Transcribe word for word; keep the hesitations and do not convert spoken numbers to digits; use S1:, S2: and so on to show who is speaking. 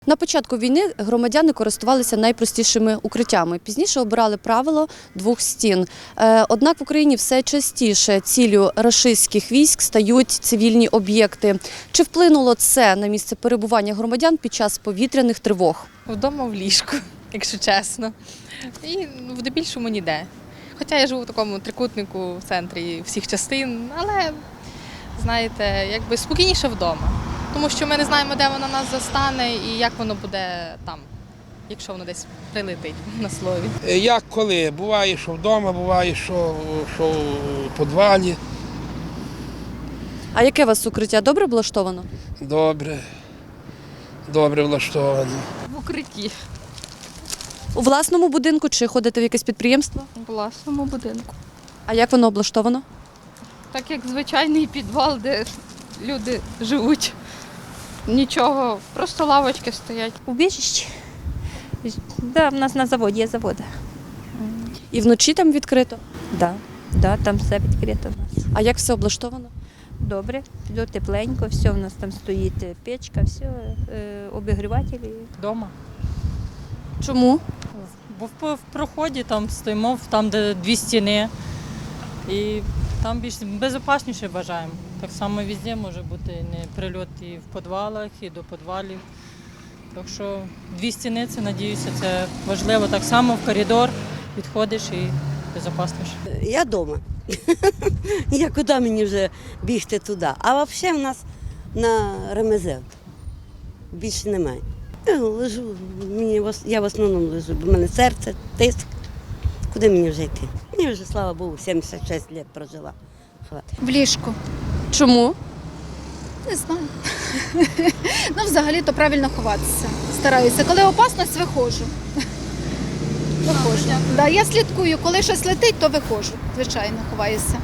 S1: На початку війни громадяни користувалися найпростішими укриттями. Пізніше обирали правило двох стін. Е, Однак в Україні все частіше ціллю рашистських військ стають цивільні об'єкти. Чи вплинуло це на місце перебування громадян під час повітряних тривог?
S2: Вдома в ліжку, якщо чесно. І в дебільшому ніде. Хоча я живу в такому трикутнику в центрі всіх частин, але, знаєте, якби спокійніше вдома. Тому що ми не знаємо, де вона нас застане і як воно буде там, якщо воно десь прилетить на слові.
S3: Як коли? Буває, що вдома, буває, що, що в підвалі.
S1: А яке у вас укриття? Добре облаштовано?
S3: Добре. Добре влаштовано.
S4: В укритті,
S1: У власному будинку чи ходите в якесь підприємство?
S4: у власному будинку.
S1: А як воно облаштовано?
S4: Так як звичайний підвал, де люди живуть. Нічого, просто лавочки стоять.
S5: Убіжище. Да, в нас на заводі є заводи.
S1: І вночі там відкрито?
S5: Да, да, там все відкрито в нас.
S1: А як все облаштовано?
S5: Добре, до тепленько, все в нас там стоїть е, печка, все, е, обігрівателі.
S6: Вдома.
S1: Чому?
S6: Бо в, в проході там стоїмо, там, де дві стіни, і там більш безпечніше бажаємо. Так само везде може бути не прильот і в підвалах, і до підвалів. Так що дві стіни, це, надіюся, це важливо. Так само в коридор підходиш і безпечніше.
S7: Я вдома. Я куди мені вже бігти туди. А взагалі в нас на ремезел. Більше немає. Я лежу, мені, в ос- я в основному лежу, бо в мене серце, тиск. Куди мені вже йти? Мені вже, слава Богу, сімдесят шість років прожила. Хватить.
S8: В ліжку.
S1: Чому?
S8: Не знаю. Ну, взагалі-то правильно ховатися. Стараюся. Коли опасність, виходжу. Виходжу. Да, я слідкую, коли щось летить, то виходжу. Звичайно, ховаюся.